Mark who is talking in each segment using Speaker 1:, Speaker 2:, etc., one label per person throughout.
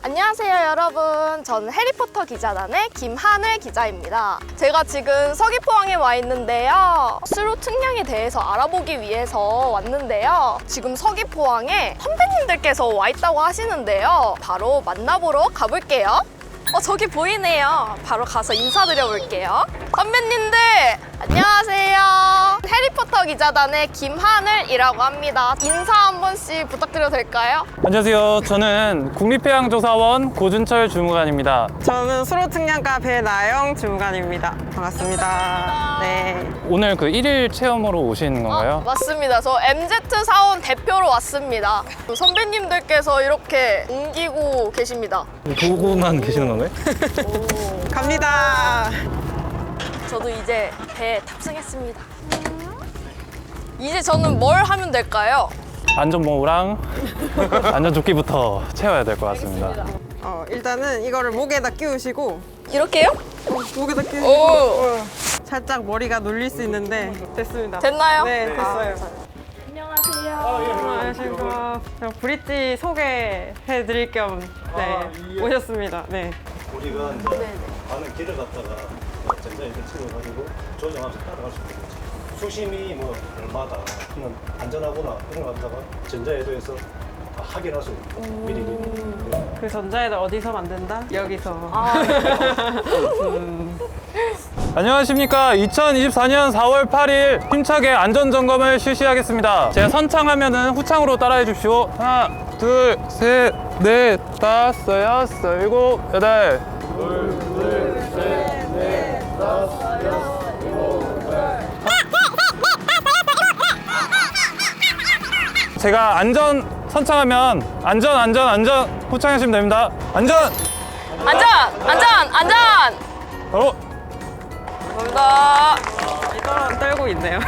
Speaker 1: 안녕하세요 여러분, 저는 해리포터 기자단의 김하늘 기자입니다. 제가 지금 서귀포항에 와 있는데요, 수로 측량에 대해서 알아보기 위해서 왔는데요, 지금 서귀포항에 선배님들께서 와 있다고 하시는데요, 바로 만나보러 가볼게요. 저기 보이네요. 바로 가서 인사드려 볼게요. 선배님들 안녕하세요. 해리포터 기자단의 김하늘이라고 합니다. 인사 한 번씩 부탁드려도 될까요?
Speaker 2: 안녕하세요. 저는 국립해양조사원 고준철 주무관입니다.
Speaker 3: 저는 수로측량과 배나영 주무관입니다. 반갑습니다. 네.
Speaker 2: 오늘 그 1일 체험으로 오신 건가요?
Speaker 1: 맞습니다. 저 MZ 사원 대표로 왔습니다. 선배님들께서 이렇게 옮기고 계십니다.
Speaker 2: 보고만 계시는 건가요?
Speaker 3: 갑니다.
Speaker 1: 저도 이제 배에 탑승했습니다. 이제 저는 뭘 하면 될까요?
Speaker 2: 안전모랑 안전조끼부터 채워야 될 것 같습니다.
Speaker 3: 일단은 이거를 목에다 끼우시고
Speaker 1: 이렇게요?
Speaker 3: 목에다 끼우시고
Speaker 1: 오.
Speaker 3: 살짝 머리가 눌릴 수 있는데 됐습니다.
Speaker 1: 됐나요?
Speaker 3: 네, 됐어요.
Speaker 1: 안녕하세요.
Speaker 3: 안녕하십니까. 브릿지 소개해 드릴 겸 오셨습니다. 네.
Speaker 4: 우리가 이제 가는 길을 갖다가 전자레인지 찍어가지고 조정하면서 따라갈 수 있는 거지. 수심이 뭐 얼마다 그러면 안전하거나 그런 거 갖다가 전자에도에서 다 확인할 수 있는 미리.
Speaker 3: 그 전자에다 어디서 만든다? 여기서.
Speaker 2: 안녕하십니까. 2024년 4월 8일 힘차게 안전점검을 실시하겠습니다. 제가 선창하면은 후창으로 따라해 주십시오. 하나, 둘, 셋, 넷, 다섯, 여섯, 일곱, 여덟. 제가 안전 선창하면 안전 후창하시면 됩니다. 안전!
Speaker 1: 안전!
Speaker 2: 바로
Speaker 1: 감사합니다.
Speaker 3: 이거 떨고 있네요.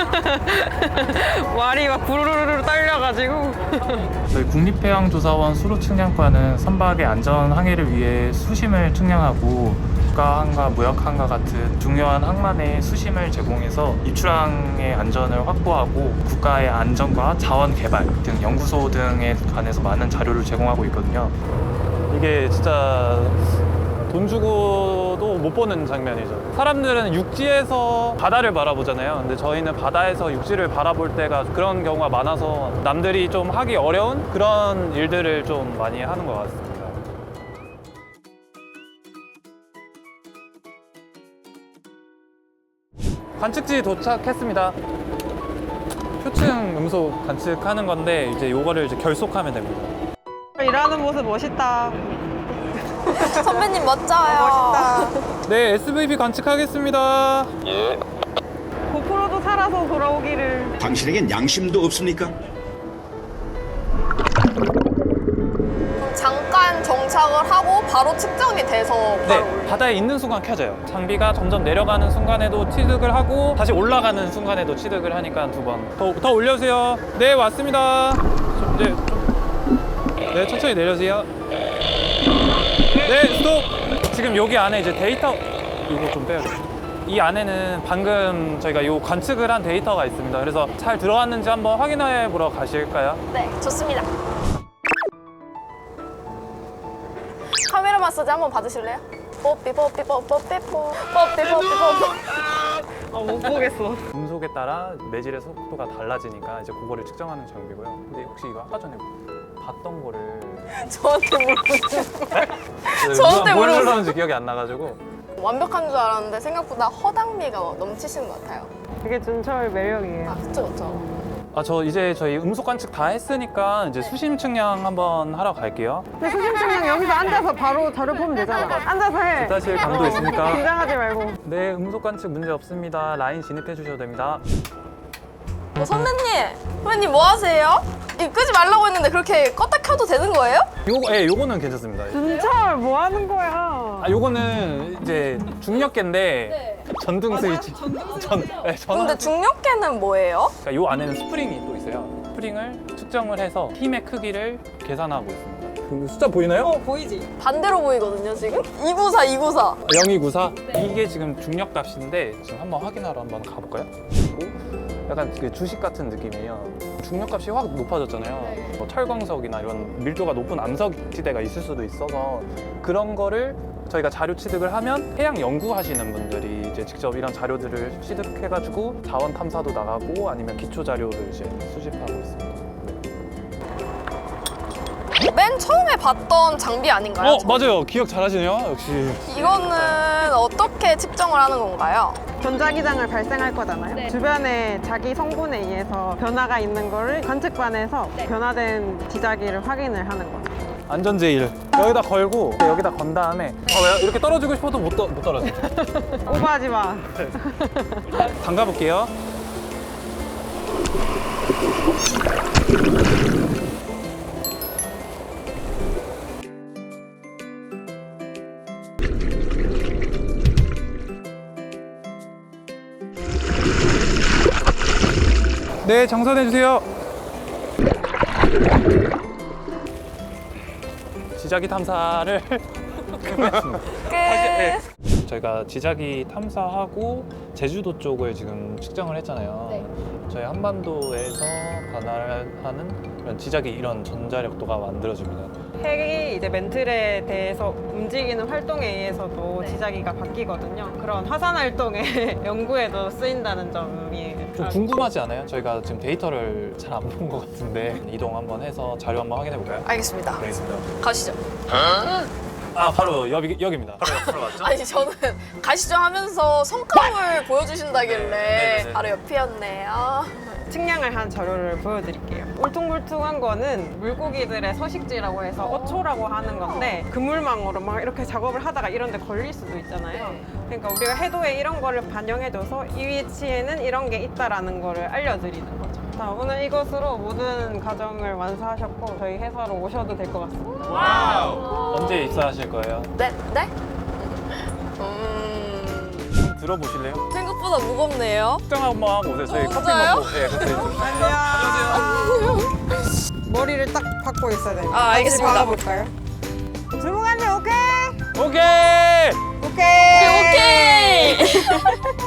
Speaker 3: 말이 막 부르르르 떨려가지고.
Speaker 2: 저희 국립해양조사원 수로측량과는 선박의 안전 항해를 위해 수심을 측량하고 국가항과 무역항과 같은 중요한 항만의 수심을 제공해서 입출항의 안전을 확보하고 국가의 안전과 자원 개발 등 연구소 등에 관해서 많은 자료를 제공하고 있거든요. 이게 진짜 돈 주고도 못 보는 장면이죠. 사람들은 육지에서 바다를 바라보잖아요. 근데 저희는 바다에서 육지를 바라볼 때가 그런 경우가 많아서 남들이 좀 하기 어려운 그런 일들을 좀 많이 하는 것 같습니다. 관측지 도착했습니다. 표층 음소 관측하는 건데 이제 요거를 이제 결속하면 됩니다.
Speaker 3: 일하는 모습 멋있다.
Speaker 1: 선배님 멋져요.
Speaker 3: 멋있다.
Speaker 2: 네, SVP 관측하겠습니다.
Speaker 3: 고프로도 살아서 돌아오기를.
Speaker 5: 당신에겐 양심도 없습니까?
Speaker 1: 잠깐 정착을 하고 바로 측정이 돼서 바로
Speaker 2: 네, 바다에 있는 순간 켜져요. 장비가 점점 내려가는 순간에도 취득을 하고 다시 올라가는 순간에도 취득을 하니까 두 번. 더 올려주세요. 네, 왔습니다. 네, 천천히 내려주세요. 네, 스톱! 지금 여기 안에 이제 데이터, 이거 좀 빼야 돼요. 이 안에는 방금 저희가 요 관측을 한 데이터가 있습니다. 그래서 잘 들어왔는지 한번 확인해 보러 가실까요?
Speaker 1: 네, 좋습니다. 카메라 마사지 한번 받으실래요? 뽀삐 뽀삐 뽀삐 뽀삐 뽀삐 뽀삐
Speaker 3: 못 보겠어.
Speaker 2: 음속에 따라 매질의 속도가 달라지니까 이제 그거를 측정하는 장비고요. 근데 혹시 이거 아까 전에 봤던 거를
Speaker 1: 저한테 물어보세요. 저한테
Speaker 2: 뭘
Speaker 1: 물어보세요.
Speaker 2: 눌렀는지 기억이 안 나가지고.
Speaker 1: 완벽한 줄 알았는데 생각보다 허당미가 넘치시는 것 같아요.
Speaker 3: 그게 준철 매력이에요.
Speaker 1: 그쵸 그쵸.
Speaker 2: 저 이제 저희 음속 관측 다 했으니까 이제 수심 측량 한번 하러 갈게요.
Speaker 3: 근데 수심 측량 여기서 앉아서 바로 자료 보면 되잖아. 앉아서 해.
Speaker 2: 사실 강도 있으니까.
Speaker 3: 긴장하지 말고.
Speaker 2: 네, 음속 관측 문제 없습니다. 라인 진입해 주셔도 됩니다.
Speaker 1: 선배님 뭐 하세요? 이거 끄지 말라고 했는데 그렇게 껐다 켜도 되는 거예요?
Speaker 2: 요거는 괜찮습니다.
Speaker 3: 준철 뭐 하는 거야?
Speaker 2: 요거는 이제 중력계인데 전등 스위치.
Speaker 1: 근데 중력계는 뭐예요?
Speaker 2: 그러니까 요 안에는 스프링이 또 있어요. 스프링을 측정을 해서 힘의 크기를 계산하고 있습니다. 그 숫자 보이나요?
Speaker 3: 보이지?
Speaker 1: 반대로 보이거든요 지금? 294.
Speaker 2: 0294? 이게 지금 중력 값인데 지금 한번 확인하러 한번 가볼까요? 그리고
Speaker 6: 약간 그 주식 같은 느낌이에요. 중력값이 확 높아졌잖아요. 뭐 철광석이나 이런 밀도가 높은 암석 지대가 있을 수도 있어서 그런 거를 저희가 자료 취득을 하면 해양 연구하시는 분들이 이제 직접 이런 자료들을 취득해가지고 자원 탐사도 나가고 아니면 기초 자료를 이제 수집하고 있습니다.
Speaker 1: 맨 처음에 봤던 장비 아닌가요?
Speaker 6: 맞아요. 기억 잘하시네요. 역시.
Speaker 1: 이거는 어떻게 측정을 하는 건가요?
Speaker 3: 전자기장을 발생할 거잖아요.
Speaker 1: 네.
Speaker 3: 주변에 자기 성분에 의해서 변화가 있는 거를 관측반에서 변화된 지자기를 확인을 하는 거죠.
Speaker 6: 안전제일 여기다 걸고 여기다 건 다음에 이렇게 떨어지고 싶어도 못 떨어져.
Speaker 3: 오버하지 마.
Speaker 6: 담가 볼게요. 네, 정선해 주세요. 지자기 탐사를 끝냈습니다.
Speaker 1: 끝.
Speaker 6: 저희가 지자기 탐사하고 제주도 쪽을 지금 측정을 했잖아요.
Speaker 1: 네.
Speaker 6: 저희 한반도에서 관할하는 이런 지자기 이런 전자력도가 만들어집니다.
Speaker 3: 핵이 이제 멘틀에 대해서 움직이는 활동에 의해서도
Speaker 1: 네.
Speaker 3: 지자기가 바뀌거든요. 그런 화산 활동의 연구에도 쓰인다는 점이
Speaker 6: 좀 궁금하지 않아요? 저희가 지금 데이터를 잘 안 본 것 같은데 이동 한번 해서 자료 한번 확인해 볼까요?
Speaker 1: 알겠습니다.
Speaker 6: 알겠습니다.
Speaker 1: 가시죠.
Speaker 6: 바로 여기입니다. 바로 옆으로 맞죠?
Speaker 1: 아니 저는 가시죠 하면서 성과물 보여주신다길래
Speaker 6: 네네네.
Speaker 1: 바로 옆이었네요.
Speaker 3: 측량을 한 자료를 보여드릴게요. 울퉁불퉁한 거는 물고기들의 서식지라고 해서 어초라고 하는 건데 그물망으로 막 이렇게 작업을 하다가 이런 데 걸릴 수도 있잖아요. 그러니까 우리가 해도에 이런 거를 반영해줘서 이 위치에는 이런 게 있다라는 거를 알려드리는 거죠. 자, 오늘 이것으로 모든 과정을 완수하셨고 저희 회사로 오셔도 될 것 같습니다.
Speaker 6: 언제 입사하실 거예요?
Speaker 1: 네? 네?
Speaker 6: 좀 들어보실래요?
Speaker 1: 생각보다 무겁네요.
Speaker 6: 측정 한번 하고 오세요. 저희 커피
Speaker 1: 진짜요?
Speaker 6: 먹고. 네, 같이 좀.
Speaker 3: 머리를 딱 박고 있어야 돼요.
Speaker 1: 아, 알겠습니다.
Speaker 3: 박아볼까요? 주무관님 오케이?
Speaker 6: 오케이!
Speaker 3: 오케이!
Speaker 1: 오케이!